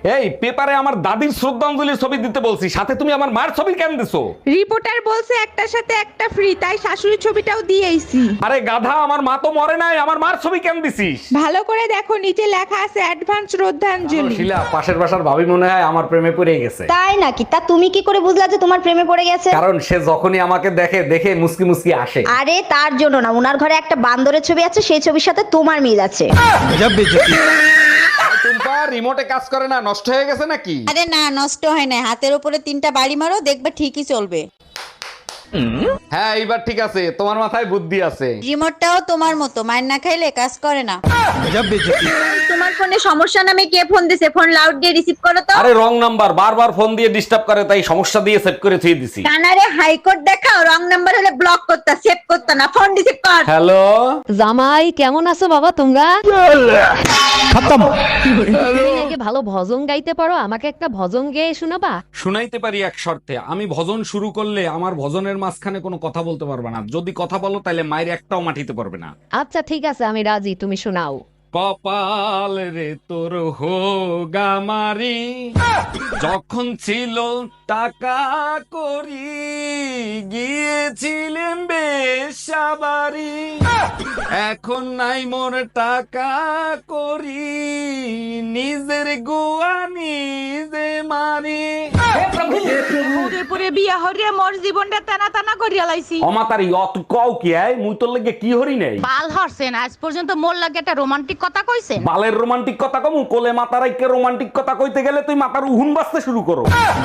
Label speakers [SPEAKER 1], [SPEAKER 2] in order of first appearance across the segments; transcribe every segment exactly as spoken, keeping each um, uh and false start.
[SPEAKER 1] এই পেপারে আমার দাদির শ্রদ্ধাঞ্জলি ছবি দিতে বলছি, সাথে তুমি আমার মার ছবি কেন দিছো?
[SPEAKER 2] রিপোর্টার বলছে একটার সাথে একটা ফ্রি, তাই শাশুড়ির ছবিটাও দিয়েইছি।
[SPEAKER 1] আরে গাধা, আমার মা তো মরে নাই, আমার মার ছবি কেন দিছিস?
[SPEAKER 2] ভালো করে দেখো, নিচে লেখা আছে অ্যাডভান্স শ্রদ্ধাঞ্জলি।
[SPEAKER 1] শিলা, পাশের বাসার ভাবি মনে হয় আমার প্রেমে পড়ে গেছে।
[SPEAKER 3] তাই নাকি? তা তুমি কি করে বুঝলা যে তোমার প্রেমে পড়ে গেছে?
[SPEAKER 1] কারণ সে যখনই আমাকে দেখে দেখে মুসকি মুসকি আসে।
[SPEAKER 3] আরে তার জন্য না, উনার ঘরে একটা বান্দরের ছবি আছে, সেই ছবির সাথে তোমার মিল আছে।
[SPEAKER 1] টুম্পা, রিমোটে কাজ করে না, নষ্ট হয়ে গেছে নাকি?
[SPEAKER 4] আরে না, নষ্ট হয় না, হাতের উপরে তিনটা বাড়ি মারো, দেখবে ঠিকই চলবে।
[SPEAKER 1] হ্যাঁ, এইবার ঠিক আছে, তোমার মাথায় বুদ্ধি আছে।
[SPEAKER 4] রিমোটটাও তোমার মতো, মার না খাইলে কাজ করে না।
[SPEAKER 3] তোমার ফোনে সমস্যা নামে কে ফোন দিছে? ফোন লাউড দিয়ে রিসিভ করো তো।
[SPEAKER 1] আরে রং নাম্বার, বারবার ফোন দিয়ে ডিস্টার্ব করে, তাই সমস্যা দিয়ে সেভ করে থুয়ে দিছি।
[SPEAKER 3] কানারে হাইকোর্ট দেখাও, রং নাম্বার হলে ব্লক করতা, সেভ করতা না, ফোন রিসিভ কর।
[SPEAKER 1] হ্যালো
[SPEAKER 5] জামাই কেমন আছো বাবা তোমরা? তুমি নাকি ভালো ভজন গাইতে পারো, আমাকে একটা ভজন গেয়ে শোনাবা?
[SPEAKER 1] শুনাইতে পারি এক শর্তে, আমি ভজন শুরু করলে আমার ভজনের মাঝখানে কোনো কথা বলতে পারবে না। যদি কথা বলো তাহলে মায়ের একটাও মাটিতে পারবে না।
[SPEAKER 5] আচ্ছা ঠিক আছে, আমি রাজি, তুমি শোনাও।
[SPEAKER 1] কপাল রে তোর হোগামারি, যখন ছিল টাকা করি গিয়েছিলেন বেশাবারি, এখন নাই মোর টাকা করি নিজের গোয়া নিজে মারি।
[SPEAKER 2] পরে বিয়া হরিয়া মোর জীবনটা টানা টানা করিয়া লাইছি।
[SPEAKER 1] অমাতারি অত কও কি আয়, মুই তোর লাগে কি হরি নাই?
[SPEAKER 2] বাল হরছেন, আজ পর্যন্ত মোর লাগে একটা রোমান্টিক কথা কইছেন?
[SPEAKER 1] বালের রোমান্টিক কথা কমু? কোলে মাতার আইকে রোমান্টিক কথা কইতে গেলে তুই মাথার উহুন বাজতে শুরু করো।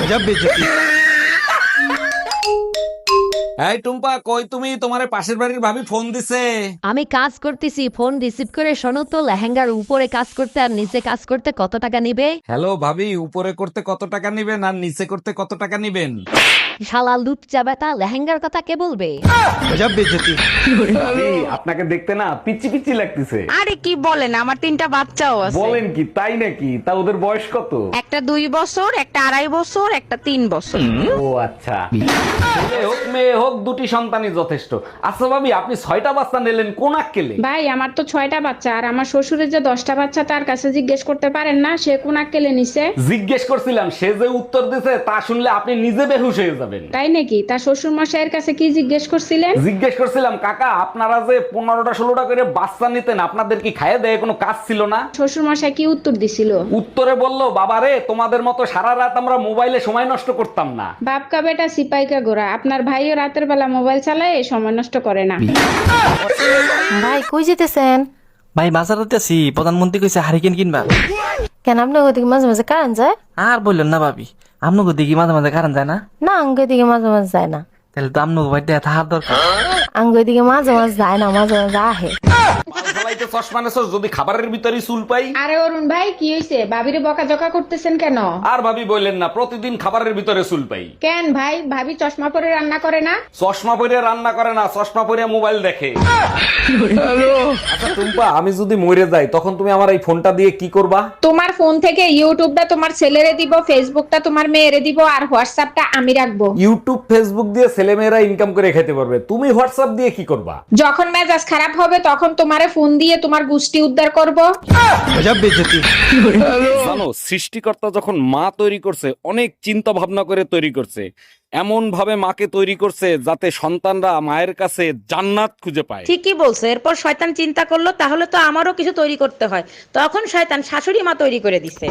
[SPEAKER 1] এই টুম্পা, কই তুমি? তোমারে পাশের বাড়ির ভাবি ফোন দিছে।
[SPEAKER 5] আমি কাজ করতেছি, ফোন রিসিভ করে শোনো তো, লেহেঙ্গার উপরে কাজ করতে আর নিচে কাজ করতে কত টাকা নিবে?
[SPEAKER 1] হ্যালো ভাবি, উপরে করতে কত টাকা নিবেন আর নিচে করতে কত টাকা নিবেন?
[SPEAKER 5] শালা লুচ্চা বেটা, লেহেঙ্গার কথা কে বলবে?
[SPEAKER 1] ভাবি, আপনাকে দেখতে না পিচি পিচি লাগতেছে।
[SPEAKER 2] আরে কি বলেন, আমার তিনটা বাচ্চাও আছে।
[SPEAKER 1] বলেন কি, তাই নাকি? তা ওদের বয়স কত?
[SPEAKER 2] একটা দুই বছর, একটা আড়াই বছর, একটা তিন বছর।
[SPEAKER 1] ও আচ্ছা, ছেলে হোক মেয়ে হোক দুটি সন্তানই যথেষ্ট। আচ্ছা ভাবি, আপনি ছয়টা বাচ্চা নিলেন কোন আক্কেলে?
[SPEAKER 6] ভাই আমার তো ছয়টা বাচ্চা, আর আমার শ্বশুরের যে দশটা বাচ্চা, তার কাছে জিজ্ঞেস করতে পারেন না সে কোন আক্কেলে নিছে?
[SPEAKER 1] জিজ্ঞেস করছিলাম, সে যে উত্তর দিছে তা শুনলে আপনি নিজে বেহুশ হয়ে যাবেন।
[SPEAKER 6] তাই নাকি? তার শ্বশুর মশাইয়ের কাছে কি জিজ্ঞেস করছিলেন?
[SPEAKER 1] জিজ্ঞেস করছিলাম, কাকা আপনারা যে পনেরোটা ষোলোটা করে বাচ্চা নিতেন, আপনাদের কি খাইয়ে দেয় কোনো কাজ ছিল না?
[SPEAKER 6] শ্বশুর মশাই কি উত্তর দিছিল?
[SPEAKER 1] উত্তরে বললো, বাবারে তোমাদের মতো সারা রাত আমরা মোবাইলে সময় নষ্ট করতাম না।
[SPEAKER 6] বাপকা বেটা সিপাইকা গোরা, আপনার ভাইও রাতের বেলা মোবাইল চালায়, সময় নষ্ট করে না।
[SPEAKER 7] ভাই কই যেতেছেন?
[SPEAKER 8] ভাই বাজারতে আছি, প্রধানমন্ত্রী কইছে হারিকেন কিনবা।
[SPEAKER 7] কেন আপনার ওদিকে মাঝে মাঝে কারেন্ট যায়?
[SPEAKER 8] আর বললেন না ভাবি, আপনাকে দেখি মাঝে মাঝে কারণ যায় না।
[SPEAKER 7] না আঙ্গুর দিকে মাঝে মাঝে যায় না।
[SPEAKER 8] তাহলে তো আপনাকে ভাই থাকার দরকার।
[SPEAKER 7] আঙ্গুর দিকে মাঝে মাঝে যায় না, মাঝে মাঝে আহে।
[SPEAKER 1] চশমা নেছো, যদি খাবারের ভিতরে চুল পাই।
[SPEAKER 6] আরে অরুণ ভাই কি হয়েছে? ভাবিরে বকাঝকা করতেছেন কেন?
[SPEAKER 1] আর ভাবি বললেন না, প্রতিদিন খাবারের ভিতরে চুল পাই।
[SPEAKER 6] কেন ভাই, ভাবি চশমা পরে রান্না করে না?
[SPEAKER 1] চশমা পরে রান্না করে না, চশমা পরে মোবাইল দেখে। আচ্ছা টুম্পা, আমি যদি মরে যাই তখন তুমি আমার এই ফোনটা দিয়ে কি করবা?
[SPEAKER 6] তোমার ফোন থেকে ইউটিউবটা তোমার ছেলেরে দিব, ফেসবুকটা তোমার মেয়েরে দিব, আর হোয়াটসঅ্যাপটা আমি রাখবো।
[SPEAKER 1] ইউটিউব ফেসবুক দিয়ে ছেলেমেয়েরা ইনকাম করে খেতে পারবে, তুমি হোয়াটসঅ্যাপ দিয়ে কি করবা?
[SPEAKER 6] যখন মেজাজ খারাপ হবে তখন তোমারে ফোন দিয়ে তোমার গুষ্টি উদ্ধার করব।
[SPEAKER 1] জানো, সৃষ্টিকর্তা যখন মা তৈরি করছে অনেক চিন্তা ভাবনা করে তৈরি করছে। এমন ভাবে মাকে তৈরি করছে যাতে সন্তানরা মায়ের কাছে জান্নাত খুঁজে পায়।
[SPEAKER 2] ঠিকই বলছো। এরপর শয়তান চিন্তা করলো, তাহলে তো আমারও কিছু তৈরি করতে হয়। তখন শয়তান শাশুড়ি মা তৈরি করে দিছে।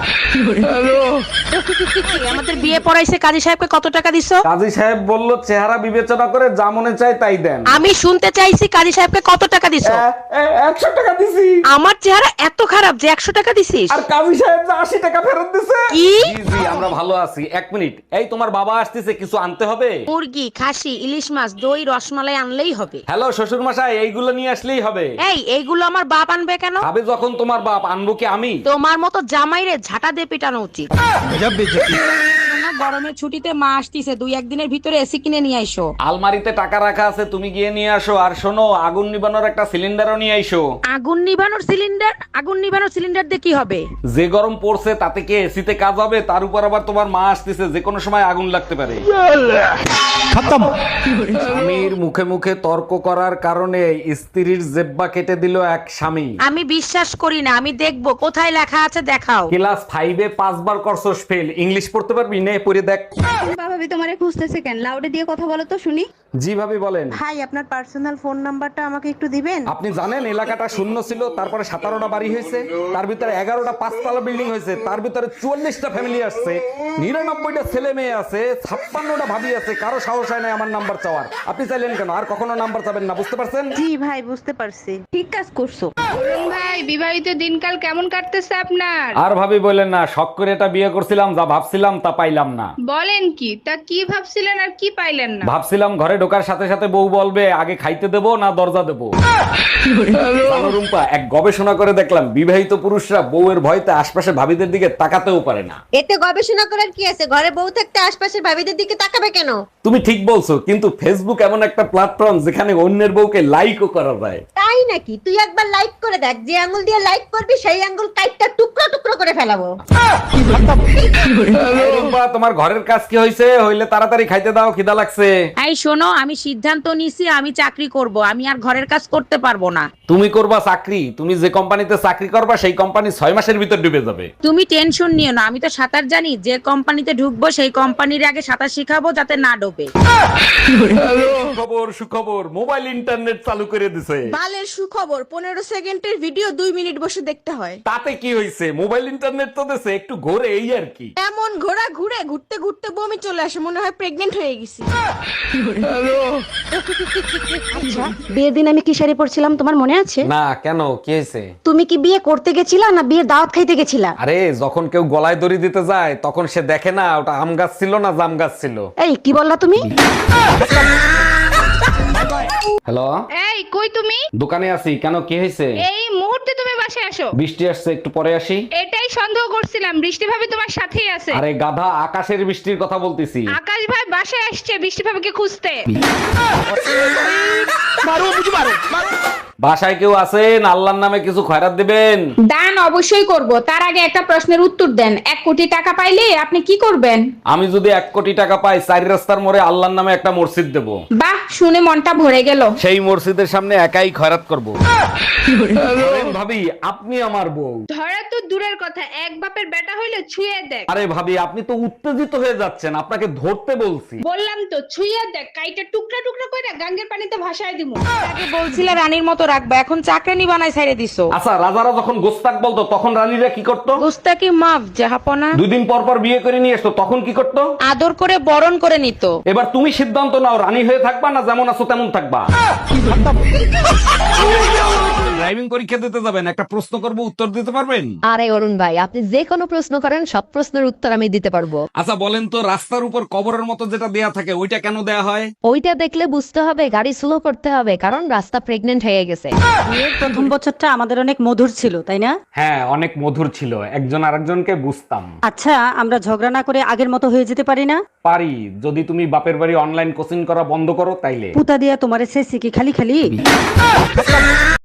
[SPEAKER 2] আমাদের বিয়ে পড়াইছে, কাজী সাহেবকে কত টাকা দিছো?
[SPEAKER 1] কাজী সাহেব বলল, চেহারা বিবেচনা করে যা মনে চায় তাই দেন।
[SPEAKER 2] আমি শুনতে চাইছি কাজী সাহেবকে কত টাকা দিছো?
[SPEAKER 1] একশো টাকা দিছি।
[SPEAKER 2] আমার চেহারা এত খারাপ যে একশো টাকা দিছিস?
[SPEAKER 1] আর কাজী সাহেব যে আশি টাকা ফেরত দিছে।
[SPEAKER 2] কি?
[SPEAKER 1] জি জি, আমরা ভালো আছি। এক মিনিট, এই তোমার বাবা আসতেছে, কিছু আনতে হবে?
[SPEAKER 2] মুরগি, খাসি, ইলিশ মাছ, দই, রসমালাই আনলেই হবে।
[SPEAKER 1] হ্যালো শ্বশুর মশাই, এইগুলো নিয়ে আসলেই হবে।
[SPEAKER 2] এই এইগুলো আমার বাপ আনবে কেন?
[SPEAKER 1] ভাবে যখন তোমার বাপ, আনবো কি আমি?
[SPEAKER 2] তোমার মতো জামাইরে ঝাঁটা দিয়ে পিটানো উচিত। গরমের ছুটিতে মা আসতিছে, দুই একদিনের ভিতরে এসি কিনে নিয়ে আইসো।
[SPEAKER 1] আলমারিতে টাকা রাখা আছে, তুমি গিয়ে নিয়ে আসো। আর শোনো, আগুন নিবানোর একটা সিলিন্ডারও নিয়ে আইসো।
[SPEAKER 2] আগুন নিভানোর সিলিন্ডার? আগুন নিভানোর সিলিন্ডার দিয়ে কি হবে?
[SPEAKER 1] যে গরম পড়ছে তাতে কি এসিতে কাজ হবে? তার উপর আবার তোমার মা আসতেছে, যে কোনো সময় আগুন লাগতে পারে। স্বামীর মুখে মুখে তর্ক করার কারণে স্ত্রীর জেব্বা কেটে দিল এক স্বামী।
[SPEAKER 2] আমি বিশ্বাস করি না, আমি দেখবো কোথায় লেখা আছে, দেখাও।
[SPEAKER 1] ক্লাস ফাইভে পাঁচবার করছস ফেল, ইংলিশ পড়তে পারবি? নে পড়ে দেখ।
[SPEAKER 3] ভাবি তোমারে খুঁজতেছে কেন? লাউডে দিয়ে কথা বলো তো শুনি।
[SPEAKER 1] জি ভাবি বলেন।
[SPEAKER 3] ভাই আপনার পার্সোনাল ফোন নাম্বারটা আমাকে একটু দিবেন?
[SPEAKER 1] আপনি জানেন এলাকাটা শূন্য ছিল, তারপরে সতেরোটা বাড়ি হয়েছে, তার ভিতরে এগারোটা পাঁচতলা বিল্ডিং হয়েছে, তার ভিতরে চুয়াল্লিশটা ফ্যামিলি আসছে, নিরানব্বইটা ছেলে মেয়ে আছে, ছাপ্পান্নটা ভাবি আছে, কারো সাহস হয় না আমার নাম্বার চাওয়ার। আপনি চাইলেন কেন? আর কখনো নাম্বার চাবেন না, বুঝতে পারছেন?
[SPEAKER 3] জি ভাই বুঝতে পারছি, ঠিক কাজ করছো।
[SPEAKER 6] ভাই বিবাহিত দিনকাল কেমন কাটতেছে আপনার?
[SPEAKER 1] আর ভাবি বলেন না, শখ করে এটা বিয়ে করছিলাম, যা ভাবছিলাম তা পাইলাম না।
[SPEAKER 6] বলেন কি? তা কি ভাবছিলেন আর কি পাইলেন না?
[SPEAKER 1] ভাবছিলাম ঘরে ঢোকার সাথে সাথে বউ বলবে আগে খাইতে দেবো না দরজা দেবো। জানো রুম্পা, এক গবেষণা করে দেখলাম বিবাহিত পুরুষরা বউয়ের ভয়তে আশপাশে ভাবিদের দিকে তাকাতেও পারে না।
[SPEAKER 3] এতে গবেষণা করার কি আছে? ঘরে বউ থাকতে আশপাশের ভাবিদের দিকে তাকাবে কেন?
[SPEAKER 1] তুমি ঠিক বলছো, কিন্তু ফেসবুক এমন একটা প্ল্যাটফর্ম যেখানে অন্যের বউকে লাইকও করা যায়।
[SPEAKER 3] তাই নাকি? তুই একবার লাইক করে দেখ, যে আঙ্গুল দিয়ে লাইক করবি সেই আঙ্গুল কাইটটা টুকরো টুকরো করে ফেলাবো।
[SPEAKER 1] এই রুম্পা, তোমার ঘরের কাজ কি হয়েছে? হইলে তাড়াতাড়ি খাইতে দাও, খিদা লাগছে।
[SPEAKER 2] এই শোনো, আমি সিদ্ধান্ত নিছি আমি চাকরি করব, আমি আর ঘরের কাজ করতে পারবো না।
[SPEAKER 1] তুমি করবা চাকরি? তুমি যে কোম্পানিতে চাকরি করবা সেই কোম্পানি ছয় মাসের ভিতর ডুবে যাবে।
[SPEAKER 2] তুমি টেনশন নিও না, আমি তো সাঁতার জানি, যে কোম্পানিতে ঢুকবো সেই কোম্পানির আগে সাঁতার শিখাবো যাতে না ডোবে।
[SPEAKER 1] খবর সুখবর, মোবাইল ইন্টারনেট চালু করে দিছে।
[SPEAKER 3] বালের সুখবর, পনেরো সেকেন্ডের ভিডিও দুই মিনিট বসে দেখতে হয়।
[SPEAKER 1] তাতে কি হয়েছে? মোবাইল ইন্টারনেট তো দিছে, একটু ঘোরে এই আর কি।
[SPEAKER 3] এমন ঘোড়া ঘুরে ঘুরতে ঘুরতে বমি চলে আসে, মনে হয় প্রেগনেন্ট হয়ে গেছি। আচ্ছা, বিয়ের দিন আমি কি শাড়ি পরছিলাম তোমার মনে আছে?
[SPEAKER 1] না, কেন? কি হয়েছে?
[SPEAKER 3] তুমি কি বিয়ে করতে গেছিলা না বিয়ের দাওয়াত খাইতে গেছিলা?
[SPEAKER 1] আরে যখন কেউ গলায় দড়ি দিতে যায় তখন সে দেখে না ওটা আম গাছ ছিল না জাম গাছ ছিল।
[SPEAKER 3] এই কি বললা তুমি?
[SPEAKER 1] হ্যালো,
[SPEAKER 6] এই কই তুমি?
[SPEAKER 1] দোকানে আছি। কেন, কি হয়েছে?
[SPEAKER 6] এই মুহূর্তে তুমি বাসায় আসো।
[SPEAKER 1] বৃষ্টি আসছে, একটু পরে আসি।
[SPEAKER 6] এটাই সন্দেহ করছিলাম, বৃষ্টি ভাবি তোমার সাথেই আছে।
[SPEAKER 1] আরে গাধা, আকাশের বৃষ্টির কথা বলতেছি।
[SPEAKER 6] আকাশ ভাই বাসায় আসছে বৃষ্টি ভাবিকে খুঁজতে।
[SPEAKER 1] বাসায় কেউ আছেন? আল্লাহর নামে কিছু খয়রাত দিবেন।
[SPEAKER 6] দান অবশ্যই করব, তার আগে একটা প্রশ্নের উত্তর দেন। এক কোটি টাকা পাইলে আপনি কি করবেন?
[SPEAKER 1] আমি যদি এক কোটি টাকা পাই, চারি রাস্তার মোড়ে আল্লাহর নামে একটা মসজিদ দেব।
[SPEAKER 6] বাহ, শুনে মনটা ভরে গেল।
[SPEAKER 1] সেই মসজিদের সামনে একাই খয়রাত করব। ভাবি, আপনি আমার বউ।
[SPEAKER 6] ধরা তো দূরের কথা, এক বাপের বেটা হইলে ছুঁয়ে দেখ।
[SPEAKER 1] আরে ভাবি, আপনি তো উত্তেজিত হয়ে যাচ্ছেন, আপনাকে ধরতে বলছি।
[SPEAKER 6] বললাম তো ছুঁয়ে দেখ, কাইটা টুকরা টুকরা করে গাঙ্গের পানিতে ভাসায় দিমু।
[SPEAKER 2] আগে বলছিলে রানীর মতো রাখবা, এখন চাকরানি বানাই ছাইড়ে দিছো।
[SPEAKER 1] আচ্ছা, রাজারা যখন গোস্তাক বলতো তখন রানীরা কি করতো?
[SPEAKER 2] গুস্তাকি মাফ জাহাপনা।
[SPEAKER 1] দুই দিন পর পর বিয়ে করে নিয়ে আসতো, তখন কি করতো?
[SPEAKER 2] আদর করে বরণ করে নিত।
[SPEAKER 1] এবার তুমি সিদ্ধান্ত নাও, রানী হয়ে থাকবা না যেমন আছো তেমন থাকবা। ড্রাইভিং পরীক্ষা দিতে যাবেন, একটা প্রশ্ন করব, উত্তর দিতে পারবেন?
[SPEAKER 5] আরে অরুণ ভাই, আপনি যে কোনো প্রশ্ন করেন সব প্রশ্নের উত্তর আমি দিতে পারবো।
[SPEAKER 1] আচ্ছা বলেন তো, রাস্তার উপর কবরের মতো যেটা দেয়া থাকে ওইটা কেন দেয়া হয়?
[SPEAKER 5] ওইটা দেখলে বুঝতে হবে গাড়ি স্লো করতে হবে, কারণ রাস্তা প্রেগনেন্ট হয়ে গেছে।
[SPEAKER 9] বিয়ের প্রথম বছরটা আমাদের অনেক মধুর ছিল, তাই না?
[SPEAKER 1] হ্যাঁ, অনেক মধুর ছিল, একজন আরেকজনকে বুঝতাম।
[SPEAKER 9] আচ্ছা, আমরা ঝগড়া না করে আগের মতো হয়ে যেতে পারি না?
[SPEAKER 1] পারি, যদি তুমি বাপের বাড়ি অনলাইন কোচিং করা বন্ধ করো তাইলে।
[SPEAKER 9] পুতা দিয়া তোমার এসেছি কি খালি খালি?